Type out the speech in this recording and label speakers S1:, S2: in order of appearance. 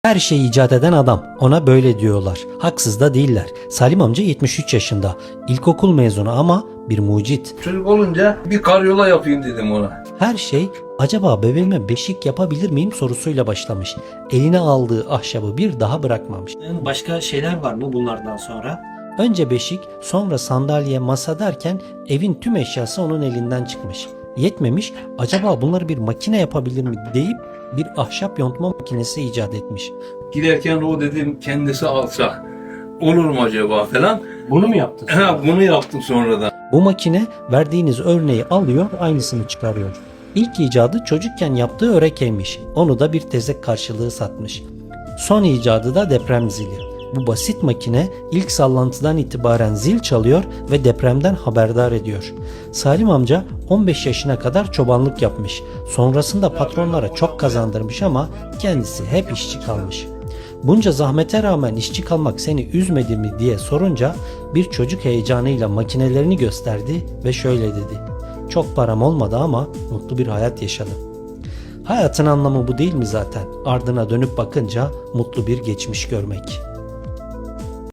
S1: Her şeyi icat eden adam. Ona böyle diyorlar. Haksız da değiller. Salim amca 73 yaşında. İlkokul mezunu ama bir mucit.
S2: Çocuk olunca bir karyola yapayım dedim ona.
S1: Her şey acaba bebeğime beşik yapabilir miyim sorusuyla başlamış. Eline aldığı ahşabı bir daha bırakmamış.
S3: Başka şeyler var mı bunlardan sonra?
S1: Önce beşik, sonra sandalye, masa derken evin tüm eşyası onun elinden çıkmış. Yetmemiş, acaba bunları bir makine yapabilir mi deyip bir ahşap yontma makinesi icat etmiş.
S2: Giderken o dedim kendisi alsa olur mu acaba falan.
S3: Bunu mu yaptın?
S2: Bunu yaptım sonradan.
S1: Bu makine verdiğiniz örneği alıyor, aynısını çıkarıyor. İlk icadı çocukken yaptığı örekeymiş. Onu da bir tezek karşılığı satmış. Son icadı da deprem zili. Bu basit makine ilk sallantıdan itibaren zil çalıyor ve depremden haberdar ediyor. Salim amca 15 yaşına kadar çobanlık yapmış. Sonrasında patronlara çok kazandırmış ama kendisi hep işçi kalmış. Bunca zahmete rağmen işçi kalmak seni üzmedi mi diye sorunca bir çocuk heyecanıyla makinelerini gösterdi ve şöyle dedi. Çok param olmadı ama mutlu bir hayat yaşadım. Hayatın anlamı bu değil mi zaten? Ardına dönüp bakınca mutlu bir geçmiş görmek.